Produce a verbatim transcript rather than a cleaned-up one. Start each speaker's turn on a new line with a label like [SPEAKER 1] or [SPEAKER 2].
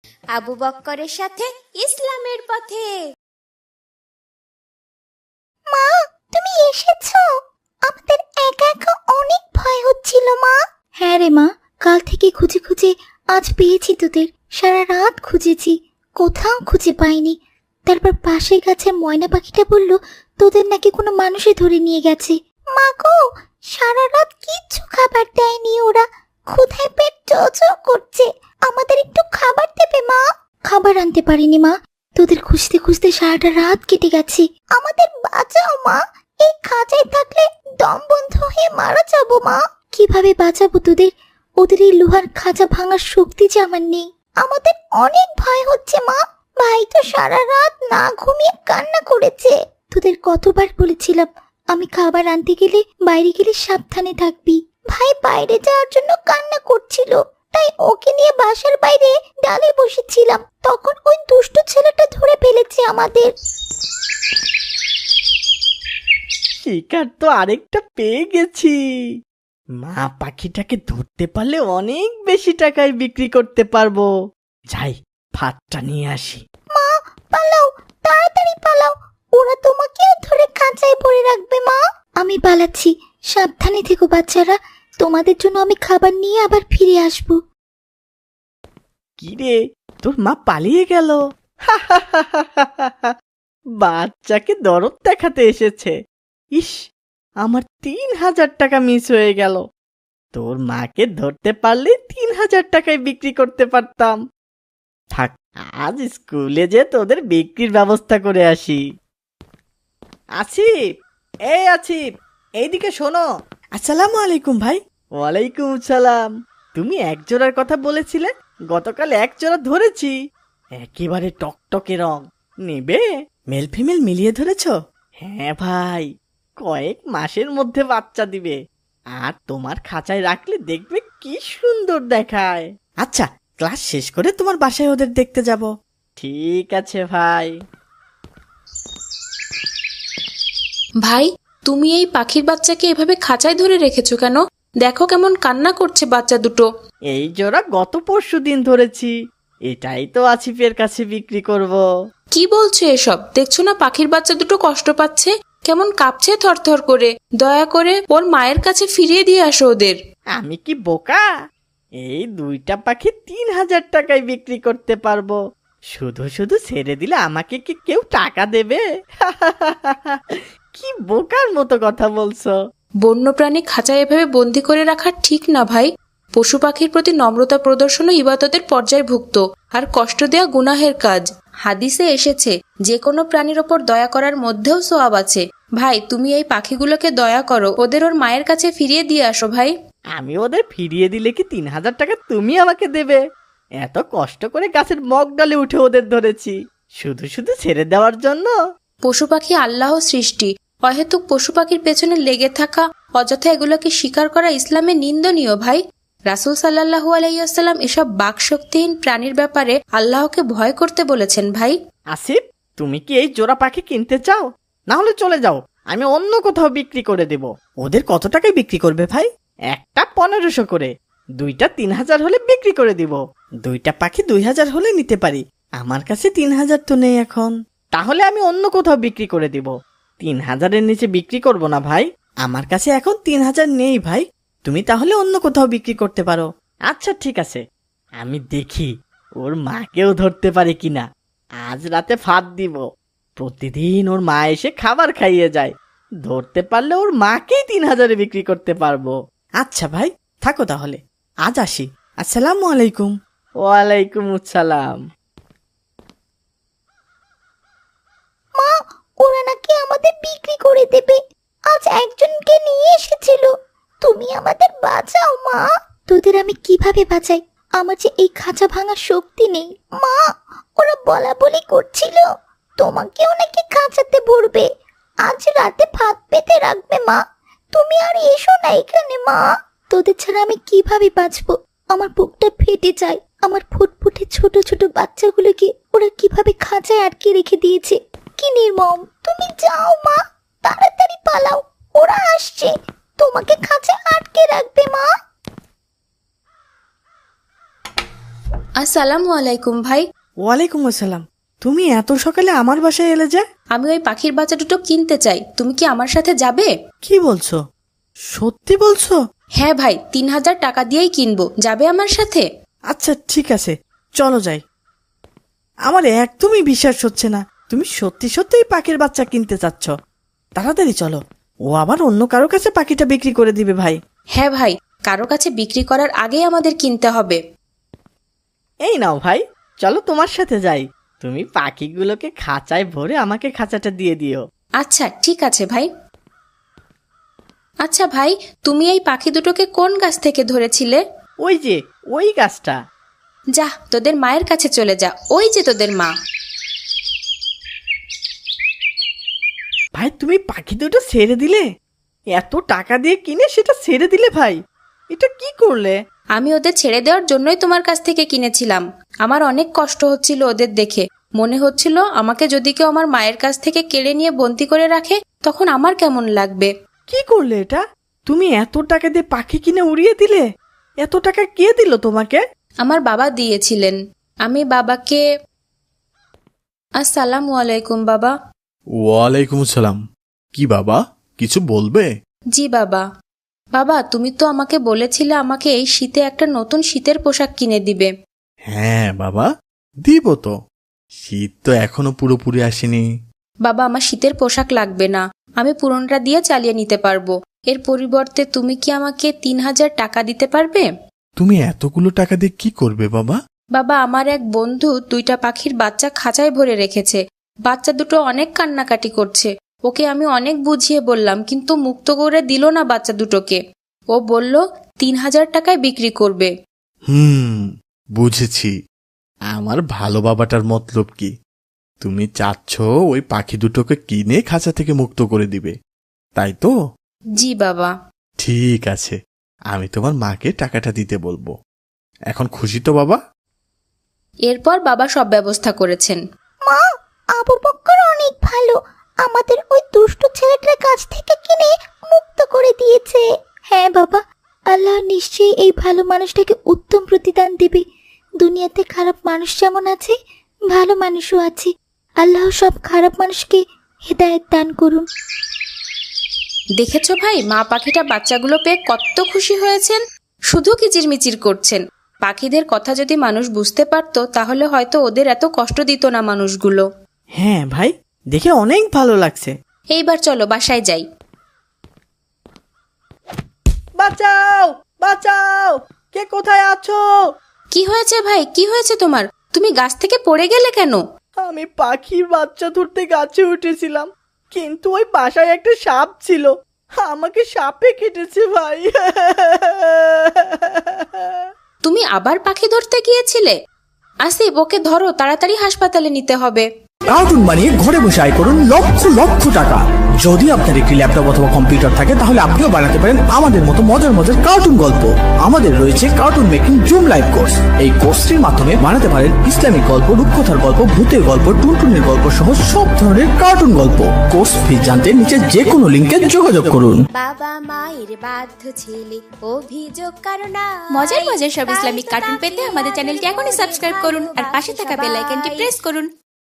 [SPEAKER 1] আবু বক্করের সাথে ইসলামের পথে।
[SPEAKER 2] মা, তুমি এসেছো? আমাদের একা একা অনেক ভয় হচ্ছিল মা। হ্যাঁ রে মা, কাল থেকে খুঁজে খুঁজে আজ পেয়েছি তোদের। সারা রাত খুঁজেছি, কোথাও খুঁজে পাইনি। তারপর পাশের গাছের ময়না পাখিটা বলল তোদের নাকি কোনো মানুষে ধরে নিয়ে গেছে। মা গো, সারা রাত কিচ্ছু খাবার দেয়নি ওরা, ক্ষুধায় পেট চোচো করছে। আমাদের একটু খাবার দেবে মা? খাবার আনতে পারিনি মা, তোদের খুঁজতে খুঁজতে সারাটা রাত কেটে গেছে। আমাদের বাঁচাও মা, এই খাঁচায় থাকলে দম বন্ধ হয়ে মারা যাবো মা। কিভাবে বাঁচাবো তোদের? ওদের এই লোহার খাঁচা ভাঙার শক্তি যে আমার নেই। আমাদের অনেক ভয় হচ্ছে মা, ভাই তো সারা রাত না ঘুমিয়ে কান্না করেছে। তোদের কতবার বলেছিলাম আমি খাবার আনতে গেলে বাইরে গেলে সাবধানে থাকবি। ভাই বাইরে যাওয়ার জন্য কান্না করছিল, তাই ওকে নিয়ে বাসার বাইরে ডালে বসেছিলাম। তখন ওই দুষ্টু ছেলেটা ধরে ফেলেছে আমাদের।
[SPEAKER 3] শিকার তো আরেকটা পেয়ে গেছি। মা পাখিটাকে ধরতে পারলে অনেক বেশি টাকায় বিক্রি করতে পারবো। যাই, ফাঁদটা নিয়ে আসি।
[SPEAKER 2] মা পালাও, তাড়াতাড়ি পালাও, ওরা তোমাকেও ধরে খাঁচায় ভরে রাখবে মা। আমি পালাচ্ছি, সাবধানে থেকো বাচ্চারা, তোমাদের জন্য আমি খাবার নিয়ে আবার ফিরে আসবো।
[SPEAKER 3] কি রে, তোর মা পালিয়ে গেল? বাচ্চাকে দরদ দেখাতে এসেছে। ইস, আমার তিন হাজার টাকা মিস হয়ে গেল। তোর মাকে ধরতে পারলে তিন হাজার টাকায় বিক্রি করতে পারতাম। থাক, আজ স্কুলে যে তোদের বিক্রির ব্যবস্থা করে আসি। আসিফ, এই আসিফ, এইদিকে শোনো। আসসালামু আলাইকুম ভাই। ওয়ালাইকুম সালাম। তুমি এক জোড়ার কথা বলেছিলে, গতকাল এক জোড়া ধরেছি। একেবারে টকটকে রং। নেবে? মেল ফিমেল মিলিয়ে ধরেছ? হ্যাঁ ভাই, কয়েক মাসের মধ্যে বাচ্চা দিবে। আর তোমার খাঁচায় রাখলে দেখবে কি সুন্দর দেখায়। আচ্ছা, ক্লাস শেষ করে তোমার বাসায় ওদের দেখতে যাব। ঠিক আছে ভাই।
[SPEAKER 4] ভাই, তুমি এই পাখির বাচ্চাকে এভাবে খাঁচায় ধরে রেখেছো কেন? দেখো কেমন কান্না করছে বাচ্চা দুটো।
[SPEAKER 3] এই জোড়া গত পরশু দিন ধরেছি, এটাই তো আসিফের কাছে বিক্রি করব।
[SPEAKER 4] কি বলছো এসব? দেখছো না পাখির বাচ্চা দুটো কষ্ট পাচ্ছে, কেমন কাঁপছে থরথর করে। দয়া করে ওর মায়ের কাছে ফিরিয়ে দিয়ে আসো ওদের।
[SPEAKER 3] আমি কি বোকা? এই দুইটা পাখি তিন হাজার টাকায় বিক্রি করতে পারবো। শুধু শুধু ছেড়ে দিলে আমাকে কি কেউ টাকা দেবে? কি বোকার মতো কথা বলছো।
[SPEAKER 4] বন্যপ্রাণী খাঁচায় এভাবে বন্দি করে রাখা ঠিক না ভাই। পশু পাখির প্রতি নম্রতা প্রদর্শনও ইবাদতের পর্যায়ভুক্ত, আর কষ্ট দেয়া গুনাহের কাজ। হাদিসে এসেছে যে কোনো প্রাণীর ওপর দয়া করার মধ্যেও সওয়াব আছে। ভাই, তুমি এই পাখিগুলোকে দয়া করো, ওদের ওর মায়ের কাছে ফিরিয়ে দিয়ে আসো ভাই।
[SPEAKER 3] আমি ওদের ফিরিয়ে দিলে কি তিন হাজার টাকা তুমি আমাকে দেবে? এত কষ্ট করে গাছের মগ ডালে উঠে ওদের ধরেছি, শুধু শুধু ছেড়ে দেওয়ার জন্য?
[SPEAKER 4] পশু পাখি আল্লাহ সৃষ্টি, অহেতুক পশু পাখির পেছনে লেগে থাকা, অযথা এগুলোকে শিকার করা ইসলামে নিন্দনীয় ভাই। রাসূল সাল্লাল্লাহু আলাইহি ওয়াসাল্লাম এসব বাকশক্তিহীন প্রাণীর ব্যাপারে আল্লাহকে ভয় করতে বলেছেন ভাই।
[SPEAKER 3] আসিফ, তুমি কি এই জোড়া পাখি কিনতে চাও? না হলে চলে যাও, আমি অন্য কোথাও বিক্রি করে দেব। ওদের কত টাকায় বিক্রি করবে ভাই? একটা পনেরোশো করে, দুইটা তিন হাজার হলে বিক্রি করে দিব। দুইটা পাখি দুই হাজার হলে নিতে পারি, আমার কাছে তিন হাজার তো নেই এখন। তাহলে আমি অন্য কোথাও বিক্রি করে দিব। তিন হাজারের নিচে বিক্রি করব না ভাই, আমার কাছে এখন তিন হাজার নেই ভাই। তুমি তাহলে অন্য কোথাও বিক্রি করতে পারো। আচ্ছা ঠিক আছে, আমি দেখি ওর মাকেও ধরতে পারে কিনা। আজ রাতে ফাঁদ দিব, প্রতিদিন ওর মা এসে খাবার খাইয়ে যায়। ধরতে পারলে ওর মাকেই তিন হাজারে বিক্রি করতে পারবো। আচ্ছা ভাই, থাকো তাহলে, আজ আসি। আসসালামু আলাইকুম। ওয়ালাইকুম আসসালাম।
[SPEAKER 2] মা, ওরা নাকি আমাদের বিক্রি করে দেবে। আজ একজনকে নিয়ে এসেছিল। তুমি আমাদের বাঁচাও মা। তোদের আমি কিভাবে বাঁচাই? আমার যে এই খাঁচা ভাঙার শক্তি নেই মা। ওরা বলা বলি করছিল তোমাকেও নাকি খাঁচাতে ভরবে, আজ রাতে ভাত পেতে রাখবে মা। তুমি আর এসো না এখানে মা। তোদের ছাড়া আমি কিভাবে বাঁচবো? আমার বুকটা ফেটে যায়। আমার ফুটফুটে ছোট ছোট বাচ্চাগুলোকে ওরা কিভাবে খাঁচায় আটকে রেখে দিয়েছে। কি নির্মম! তুমি যাও মা, তাড়াতাড়ি পালাও, ওরা আসছে, তোমাকে খাঁচায় আটকে রাখবে মা।
[SPEAKER 4] আসসালামু আলাইকুম ভাই।
[SPEAKER 3] ওয়ালাইকুম আসসালাম। তুমি এত সকালে আমার বাসায় এলে যে?
[SPEAKER 4] আমি ওই পাখির বাচ্চা দুটো কিনতে চাই, তুমি কি আমার সাথে যাবে?
[SPEAKER 3] কি বলছো, সত্যি বলছো?
[SPEAKER 4] হ্যাঁ ভাই, তিন হাজার টাকা দিয়েই কিনবো, যাবে আমার সাথে?
[SPEAKER 3] আচ্ছা ঠিক আছে, চলো যাই। আমার একদমই বিশ্বাস হচ্ছে না তুমি সত্যি সত্যিই পাখির বাচ্চা কিনতে চাচ্ছ। তাড়াতাড়ি চলো, ও আবার অন্য কারো কাছে পাখিটা বিক্রি করে দিবে ভাই।
[SPEAKER 4] হ্যাঁ ভাই, কারো কাছে বিক্রি করার আগেই আমাদের কিনতে হবে।
[SPEAKER 3] এই নাও ভাই, চলো তোমার সাথে যাই। তুমি পাখিগুলোকে খাঁচায় ভরে আমাকে খাঁচাটা দিয়ে দিও।
[SPEAKER 4] আচ্ছা ঠিক আছে ভাই। আচ্ছা ভাই, তুমি এই পাখি দুটোকে কোন গাছ থেকে ধরেছিলে?
[SPEAKER 3] ওই যে ওই গাছটা।
[SPEAKER 4] যা, তোদের মায়ের কাছে চলে যা, ওই যে তোদের মা।
[SPEAKER 3] ভাই তুমি পাখি দুটো ছেড়ে দিলে? এত টাকা দিয়ে কিনে সেটা ছেড়ে দিলে ভাই, এটা কি করলে?
[SPEAKER 4] আমি ওদের ছেড়ে দেওয়ার জন্যই তোমার কাছ থেকে কিনেছিলাম। আমার অনেক কষ্ট হচ্ছিল ওদের দেখে, মনে হচ্ছিল আমাকে যদি কেউ আমার মায়ের কাছ থেকে কেড়ে নিয়ে বন্দি করে রাখে তখন আমার কেমন লাগবে।
[SPEAKER 3] কি করলে এটা? তুমি এত টাকা দিয়ে পাখি কিনে উড়িয়ে দিলে? এত টাকা কে দিল তোমাকে?
[SPEAKER 4] আমার বাবা দিয়েছিলেন। আমি বাবাকে। আসসালামু আলাইকুম বাবা।
[SPEAKER 5] ওয়ালাইকুম আসসালাম। কি বাবা, কিছু বলবে?
[SPEAKER 4] জি বাবা। বাবা, তুমি তো আমাকে বলেছিলে আমাকে এই শীতে একটা নতুন শীতের পোশাক কিনে দিবে।
[SPEAKER 5] হ্যাঁ বাবা, দিব তো। শীত তো এখনো পুরোপুরি আসেনি।
[SPEAKER 4] বাবা, আমার শীতের পোশাক লাগবে না, আমি পুরনটা দিয়ে চালিয়ে নিতে পারবো। এর পরিবর্তে তুমি কি আমাকে তিন হাজার টাকা দিতে পারবে?
[SPEAKER 5] তুমি এতগুলো টাকা দিয়ে কি করবে বাবা?
[SPEAKER 4] বাবা, আমার এক বন্ধু দুইটা পাখির বাচ্চা খাঁচায় ভরে রেখেছে। বাচ্চা দুটো অনেক কান্নাকাটি করছে। ওকে আমি অনেক বুঝিয়ে বললাম, কিন্তু মুক্ত করে দিল না বাচ্চা দুটোকে। ও বলল তিন হাজার টাকায় বিক্রি করবে।
[SPEAKER 5] হুম, বুঝেছি। আমার ভালো বাবাটার মতলব কি? তুমি চাচ্ছ ওই পাখি দুটোকে কিনে খাঁচা থেকে মুক্ত করে দিবে, তাই তো?
[SPEAKER 4] জি বাবা।
[SPEAKER 5] ঠিক আছে, আমি তোমার মাকে টাকাটা দিতে বলবো। এখন খুশি তো বাবা?
[SPEAKER 4] এরপর বাবা সব ব্যবস্থা করেছেন।
[SPEAKER 2] মা, আবু বক্কর অনেক ভালো, আমাদের ওই দুষ্ট ছেলেটার কাছ থেকে কিনে মুক্ত করে দিয়েছে। হ্যাঁ বাবা, আল্লাহ নিশ্চয়ই এই ভালো মানুষটাকে উত্তম প্রতিদান দেবে। দুনিয়াতে খারাপ মানুষ যেমন আছে, ভালো মানুষও আছে। আল্লাহ সব খারাপ মানুষকে হেদায়েত দান করুন।
[SPEAKER 4] দেখেছো ভাই, মা পাখিটা বাচ্চাগুলো পেয়ে কত খুশি হয়েছেন, শুধু কিচিরমিচির করছেন। পাখিদের কথা যদি মানুষ বুঝতে পারতো তাহলে হয়তো ওদের এত কষ্ট দিত না মানুষগুলো।
[SPEAKER 3] হ্যাঁ ভাই, দেখে অনেক ভালো লাগছে।
[SPEAKER 4] এইবার চলো বাসায় যাই।
[SPEAKER 3] বাঁচাও, বাঁচাও, কে কোথায় আছো?
[SPEAKER 4] কি হয়েছে ভাই, কি হয়েছে তোমার? তুমি গাছ থেকে পড়ে গেলে কেন?
[SPEAKER 3] আমি পাখির বাচ্চা ধরতে গাছে উঠেছিলাম, কিন্তু ওই বাসায় একটা সাপ ছিল, আমাকে সাপে কেটেছে ভাই।
[SPEAKER 4] তুমি আবার পাখি ধরতে গিয়েছিলে? আসিফ, ওকে ধরো, তাড়াতাড়ি হাসপাতালে নিতে হবে।
[SPEAKER 6] কার্টুন বানিয়ে ঘরে বসে আয় করুন লক্ষ লক্ষ টাকা। যদি আপনার একটি ল্যাপটপ অথবা কম্পিউটার থাকে তাহলে আপনিও বানাতে পারেন আমাদের মতো মজার মজার কার্টুন গল্প। আমাদের রয়েছে cartoon making zoom live course. এই কোর্সটির মাধ্যমে বানাতে পারেন ইসলামিক গল্প, রূপকথার গল্প, ভূতের গল্প, টুনটুনের গল্প সহ সব ধরনের কার্টুন গল্প। কোর্স ফি জানতে নিচে যে কোনো লিঙ্কে যোগাযোগ করুন।
[SPEAKER 1] বাবা মায়ের বাধ্য ছেলে অভিযোগ কারণ
[SPEAKER 7] মজার মজার সব ইসলামিক কার্টুন পেতে আমাদের চ্যানেলটি এখনই সাবস্ক্রাইব করুন আর পাশে থাকা বেল আইকনটি প্রেস করুন।